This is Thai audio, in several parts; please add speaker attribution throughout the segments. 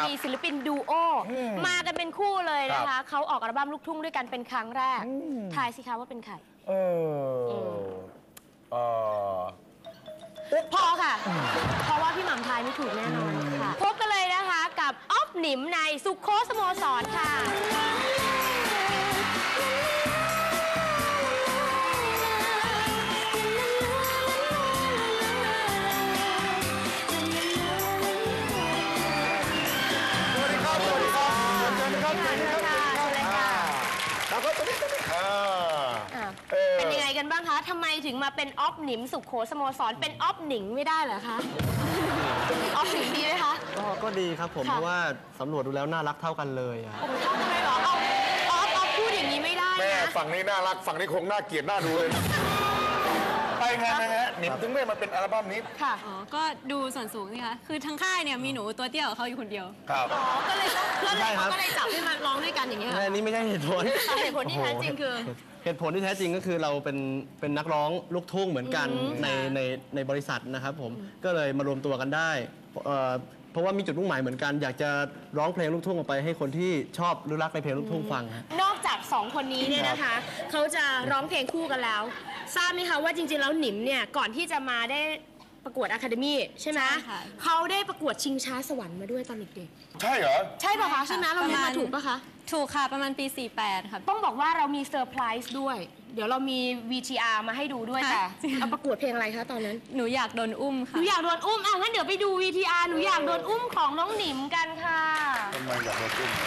Speaker 1: มีศิลปินดูโอมากันเป็นคู่เลยนะคะเขาออกอัลบั้มลูกทุ่งด้วยกันเป็นครั้งแรกทายสิคะว่าเป็นใครพอค่ะเพราะว่าพี่หม่ำทายไม่ถูกแน่นอนค่ะพบกันเลยนะคะกับอ๊อฟหนิมในสุโขสโมสรค่ะเป็นยังไงกันบ้างคะทำไมถึงมาเป็นอ๊อฟหนิมสุโขสโมสรเป็นอ๊อฟหนิงไม่ได้เหรอคะอ๊อฟหนิงดีไหมคะ
Speaker 2: ก็ดีครับผมเพราะว่าสำรวจดูแล้วน่ารักเท่ากันเลยอะ
Speaker 1: ผมชอบเลยเหรออ๊อฟพูดอย่างนี้ไม่ได้นะ
Speaker 3: แม่ฝั่งนี้น่ารักฝั่งนี้คงน่าเกลียดน่าดูเลยไปไงนะฮะหนิมถึงไม่มาเป็นอัลบั้มนี้
Speaker 1: ค่ะ
Speaker 4: ก็ดูส่วนสูงนี่คะคือทั้งค่ายเนี่ยมีหนูตัวเตี้ยกับเขาอยู่คนเดียว
Speaker 3: ครับ
Speaker 1: ก็เลยจับให้มาร้องด้วยกันอย่างเงี้ย
Speaker 2: อันนี้ไม่ใช่เหตุผล
Speaker 1: เหตุผลที่แท้จริงคือ
Speaker 2: เหตุผลที่แท้จริงก็คือเราเป็นนักร้องลูกทุ่งเหมือนกันในบริษัทนะครับผมก็เลยมารวมตัวกันได้เพราะว่ามีจุดมุ่งหมายเหมือนกันอยากจะร้องเพลงลูกทุ่งออกไปให้คนที่ชอบหรือรักในเพลงลูกทุ่งฟัง
Speaker 1: นอกจาก2คนนี้เนี่ยนะคะเขาจะร้องเพลงคู่กันแล้วทราบไหมคะว่าจริงๆแล้วหนิมเนี่ยก่อนที่จะมาได้ประกวดอะคาเดมี่ใช่ไหมเขาได้ประกวดชิงช้าสวรรค์มาด้วยตอนเด็ก
Speaker 3: ๆใช่เหรอ
Speaker 1: ใช่ป่ะคะใช่ไหมเราเรียนมาถูกป่ะคะ
Speaker 4: ถูกค่ะประมาณปี48ค่ะ
Speaker 1: ต้องบอกว่าเรามีเซอร์ไพรส์ด้วยเดี๋ยวเรามี VTR มาให้ดูด้วยแต่เอาประกวดเพลงอะไรคะตอนนั้น
Speaker 4: หนูอยากโดนอุ้มค่ะ
Speaker 1: หนูอยากโดนอุ้มงั้นเดี๋ยวไปดู VTR หนูอยากโดนอุ้มของน้องหนิมกันค่ะ
Speaker 3: ทำไมอยากโดนอุ้ม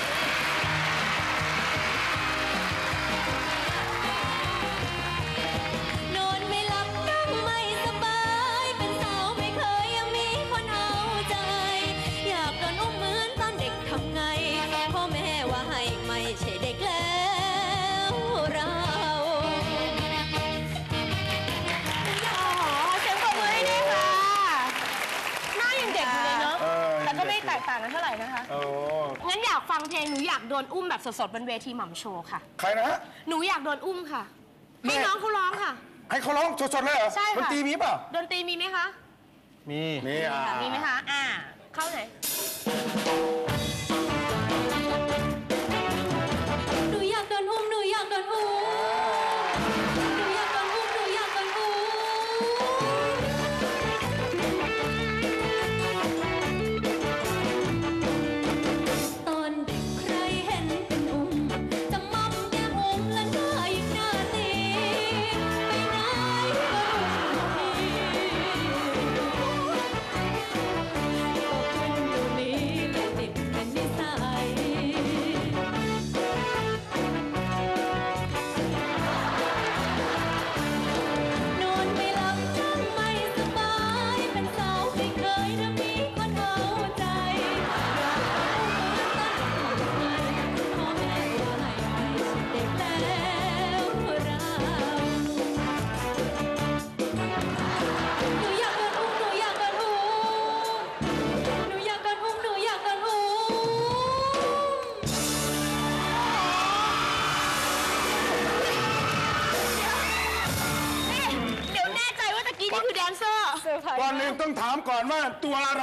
Speaker 1: แตกต่างกันเท่าไหร่นะคะงั้นอยากฟังเพลงหนูอยากโดนอุ้มแบบสดๆบนเวทีหม่ำโชว์ค่ะ
Speaker 3: ใครนะฮะ
Speaker 1: หนูอยากโดนอุ้มค่ะให้น้องเขาร้องค่ะ
Speaker 3: ให้เขาร้องสดๆเลยเหรอ
Speaker 1: ใช่ค่ะ
Speaker 3: ดนตรีมีเปล่า
Speaker 1: ดนตรีมีไหมคะ
Speaker 2: มี
Speaker 1: ไหมคะเข้าไหน
Speaker 4: หนูอยากโดนอุ้มหนูอยากโดนอุ้มหนูอยากโดนอุ้มหนูอยากโดนอุ้ม
Speaker 3: ก่อนหนึ่งต้องถามก่อนว่าตัวอะไร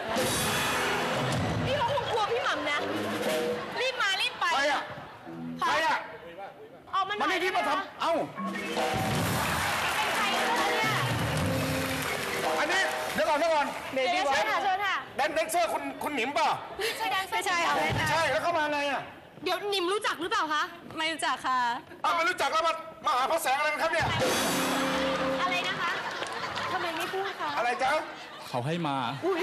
Speaker 1: นี่เขาคงกลัวพี่หม่ำนะรีบมารีบไป
Speaker 3: ใครอะ
Speaker 1: ออกมาหน่อย
Speaker 3: ที่มาทำ
Speaker 1: เป็นใครเนี่ย
Speaker 3: อันนี้เดี๋ยวก่อน
Speaker 1: เชิญค่ะ
Speaker 3: แดนเซอร์คุณหนิมป่ะ
Speaker 1: ใช่แดนเซอร์ใช่ค่ะ
Speaker 3: ใช่แล้วเข้ามาไงอะ
Speaker 1: เดี๋ยวหนิมรู้จักหรือเปล่าคะ
Speaker 4: ไม่รู้จักค่ะ
Speaker 3: ไม่รู้จักแล้วมาหาพระแสงอะไรกันครับเนี่ย
Speaker 1: อะไรนะคะทำไมไม่พูดคะ
Speaker 3: อะไรจ๊ะ
Speaker 5: เขาให้มา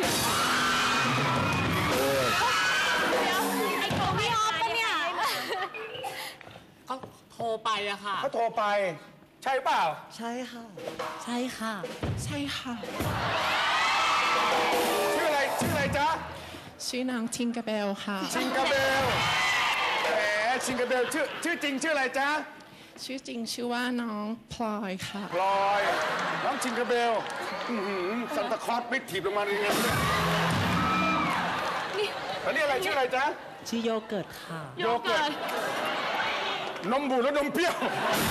Speaker 1: เดี๋ยวไอ้ของพี่ออฟปะเนี่ย
Speaker 5: เขาโทรไปอะค่ะ
Speaker 3: เขาโทรไปใช่เปล่า
Speaker 5: ใช่ค่ะใช่ค่ะใช่ค่ะ
Speaker 3: ชื่ออะไรจ๊ะ
Speaker 5: ชื่อนางชิงกาเบลค่ะ
Speaker 3: ชิงกาเบลแหมชิงกาเบลชื่อจริงชื่ออะไรจ๊ะ
Speaker 5: ชื่อจริงชื่อว่าน้องพลอยค่ะ
Speaker 3: พลอยน้องชิงกาเบลซันตาคลอสไม่ถีบลงมาเลยเนี่ยอันนี้อะไรชื่ออะไรจ๊ะ
Speaker 5: ชื่อโยเกิร์ตค่ะ
Speaker 1: โยเกิร์ต
Speaker 3: นมบูดและนมเปรี้ยว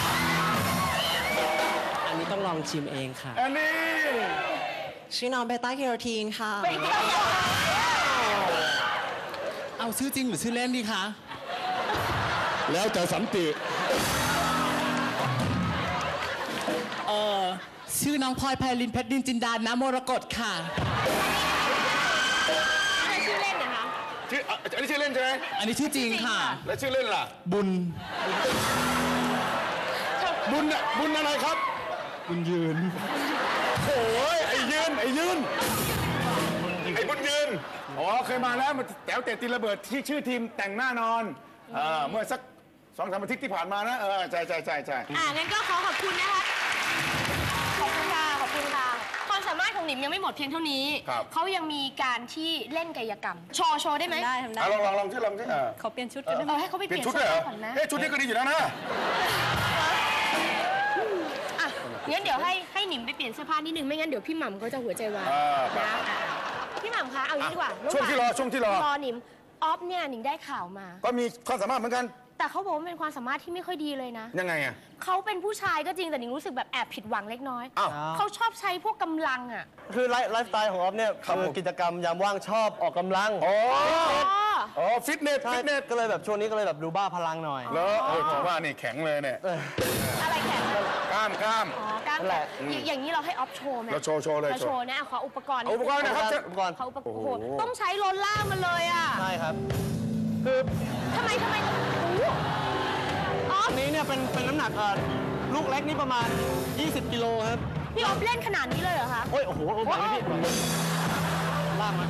Speaker 5: อันนี้ต้องลองชิมเองค่ะ
Speaker 3: อันนี้
Speaker 5: ชื่อน้องเบต้าแคโรทีนค่ะเอาชื่อจริงหรือชื่อเล่นดีคะ
Speaker 3: แล้วแต่สันติ
Speaker 5: ชื่อน้องพลอยไพลินเพชรดินจินดานะมรกตค่ะ
Speaker 1: อะไรชื่อเล่นนะคะ
Speaker 3: ชื่ออันนี้ชื่อเล่นใช่ไหม
Speaker 5: อันนี้ชื่อจริงค่ะ
Speaker 3: แล้วชื่อเล่นล่ะ
Speaker 5: บุญ
Speaker 3: บุญอะบุญอะไรครับ
Speaker 5: บุญยืน
Speaker 3: โอ้ยไอ้ยืนไอ้บุญยืนอ๋อเคยมาแล้วมาแต๋วเตะตีระเบิดที่ชื่อทีมแต่งหน้านอนเมื่อสัก2-3 อาทิตย์ที่ผ่านมานะใช่
Speaker 1: งั้นก็ขอขอบคุณนะคะ ขอบคุณค่ะ ขอบคุณค่ะ ความสามารถของหนิมยังไม่หมดเพียงเท่านี้ เขายังมีการที่เล่นกายกรรม โชว์ได้ไหม
Speaker 4: ได้ทำได้
Speaker 3: ลองที่
Speaker 4: ขอเปลี่ยนชุดกันได้ไหม
Speaker 1: ให้เขาไป
Speaker 3: เป
Speaker 1: เป
Speaker 3: ลี่ย
Speaker 1: ลี่
Speaker 3: น
Speaker 1: ยน
Speaker 3: ชุด
Speaker 1: เสื้
Speaker 3: เล
Speaker 1: อย
Speaker 3: เหรอ
Speaker 1: ผ้าก่อนนะ
Speaker 3: ชุดนี้ก็ดีอยู่แล้วนะ
Speaker 1: อ่ะงั้นเดี๋ยวให้หนิมไปเปลี่ยนเสื้อผ้านิดนึง ไม่งั้นเดี๋ยวพี่หม่ำเขาจะหัวใจวาย
Speaker 3: ไป
Speaker 1: นะพี่หม่ำคะ เอางี้ดีกว่า
Speaker 3: ช่วงที่รอ
Speaker 1: รอหนิม ออฟเนี่ยหนิงได้ข่าวมา
Speaker 3: ก็มีความสามารถเหมือนกัน
Speaker 1: แต่เขาบอกว่าเป็นความสามารถที่ไม่ค่อยดีเลยนะ
Speaker 3: ยังไงอ่ะ
Speaker 1: เขาเป็นผู้ชายก็จริงแต่หนิงรู้สึกแบบแอบผิดหวังเล็กน้อย
Speaker 3: อ้าว
Speaker 1: เขาชอบใช้พวกกำลังอ่ะ
Speaker 2: คือไลฟ์สไตล์ของออฟเนี่ย
Speaker 3: ครับ
Speaker 2: คือ
Speaker 3: ผม
Speaker 2: กิจกรรมยามว่างชอบออกกำลัง
Speaker 3: อ๋อฟิตเนส
Speaker 2: ใช่ก็เลยแบบช่วงนี้ก็เลยแบบดูบ้าพลังหน่อย
Speaker 3: แล้วผมว่านี่แข็งเลยเนี่ย
Speaker 1: อะไรแข็ง
Speaker 3: กล้าม
Speaker 1: อ๋อกล้าม
Speaker 2: นั่น
Speaker 1: แข
Speaker 2: แหละ
Speaker 1: นอย่างนี้เราให้ออฟโชว์ไหม
Speaker 3: เราโชว์เลย
Speaker 1: เราโชว์นะขออุปกรณ์
Speaker 3: เอาอุปกรณ์นะครับ
Speaker 2: อุปกรณ์
Speaker 1: ขออุปกรณ์โอ้โหต้องใช้โรลล่ามันเลยอ่ะ
Speaker 2: ใช่ครับ คือ
Speaker 1: ทำไมโอ้โหออฟ
Speaker 2: อันนี้เนี่ยเป็นน้ำหนักลูกเล็กนี่ประมาณ 20 กิโลครับ
Speaker 1: พี่ออฟเล่นขนาดนี้เลยเหรอคะ
Speaker 2: โอ้โหไหวไหมพี่ล่างมา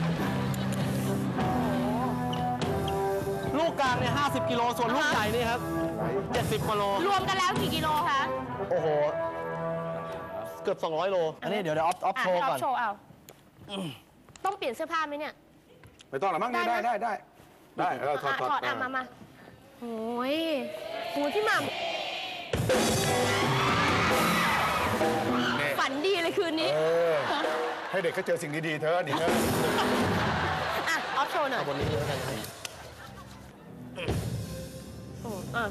Speaker 2: ลูกกลางเนี่ย50 กิโลส่วนลูกใหญ่นี่ครับ 70 กิโล
Speaker 1: รวมกันแล้วกี่กิโลคะ
Speaker 2: โอ้โห เกือบ 200 โล อันนี้เดี๋ยวออฟโชว์
Speaker 1: ให้อ
Speaker 2: ก่
Speaker 1: อ
Speaker 2: อน
Speaker 1: ฟโชว์เอาต้องเปลี่ยนเสื้อผ้าไหมเนี่ย
Speaker 3: ไม่ต้องหรอกมั้งนี่ได้ถอด
Speaker 1: ถอดมาโอ้ยโหพี่หม่ำฝันดีเลยคืนนี้
Speaker 3: ให้เด็กเขาเจอสิ่งดีๆเธอดิเธอ
Speaker 1: อ่ะออฟโชว์หน่อย
Speaker 2: บนนี้แล้วกันครับ
Speaker 1: อ่ะ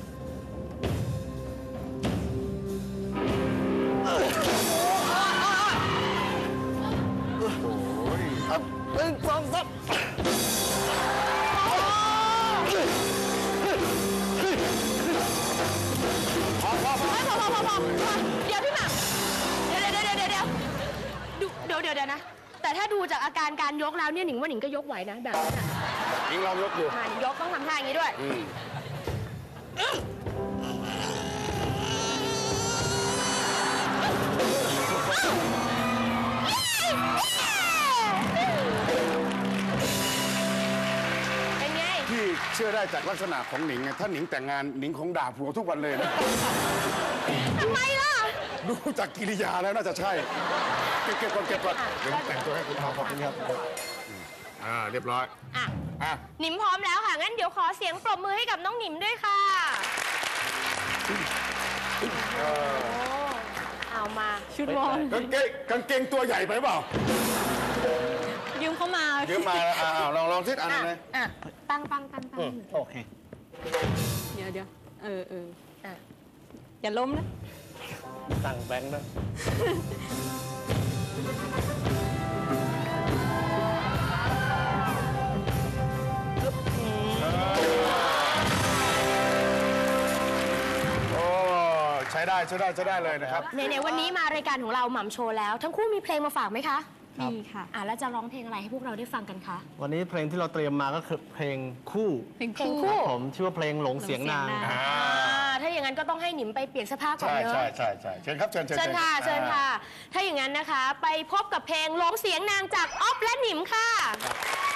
Speaker 2: ครับ1 2 3
Speaker 1: พอเดี๋ยวพี่หม่ำเดี๋ยวนะ แต่ถ้าดูจากอาการการยกแล้วเนี่ยหนิงว่าหนิงก็ยกไหวนะแบบนี้น่ะ
Speaker 3: ยิงลองยกดู
Speaker 1: หนิงยกต้องทำท่าอย่างนี้ด้วย เป็นไง
Speaker 3: ที่เชื่อได้จากลักษณะของหนิงไงถ้าหนิงแต่งงานหนิงคงด่าผัวทุกวันเลยนะ
Speaker 1: ทำไมล่ะ
Speaker 3: ดูจากกิริยาแล้วน่าจะใช่ เก็บก่อนเดี๋ยวแต่งตัวให้คุณพ่อขอบคุณครับเรียบร้อย
Speaker 1: อ่ะ หนิมพร้อมแล้วค่ะ งั้นเดี๋ยวขอเสียงปรบมือให้กับน้องหนิมด้วยค่ะ เอามา
Speaker 4: ชุดวอร์ม
Speaker 3: กางเกงตัวใหญ่ไปเปล่า
Speaker 4: ยืมเข้ามา
Speaker 3: เดี๋ยวมาลองทิศอันนั้นเลย
Speaker 1: อ่ะ ตั้ง
Speaker 2: โอเค
Speaker 4: เดี๋ยว
Speaker 1: อ่ะ
Speaker 4: อย่าล้มนะ
Speaker 2: ตั้งแบงค์นะ
Speaker 3: โอ้ใช้ได้เลยนะครับ
Speaker 1: ในวันนี้มารายการของเราหม่ำโชว์แล้ว ทั้งคู่มีเพลงมาฝากไหมคะ
Speaker 2: ครับ
Speaker 4: มีค่ะ
Speaker 1: แล้วจะร้องเพลงอะไรให้พวกเราได้ฟังกันคะ
Speaker 2: วันนี้เพลงที่เราเตรียมมาก็คือเพลงคู่
Speaker 4: เพลง
Speaker 1: เพลง
Speaker 4: คู่
Speaker 1: คู่
Speaker 2: ผมชื่อว่าเพลงหลงเสียงนาง
Speaker 1: ถ้าอย่างนั้นก็ต้องให้หนิมไปเปลี่ยนเสื้อผ้าก่อน
Speaker 3: ใช่
Speaker 1: เนอะ
Speaker 3: เชิญครับเชิญ
Speaker 1: เชิญค่ะ ถ้าอย่างนั้นนะคะ ไปพบกับเพลงร้องเสียงนางจากออฟและหนิมค่ะ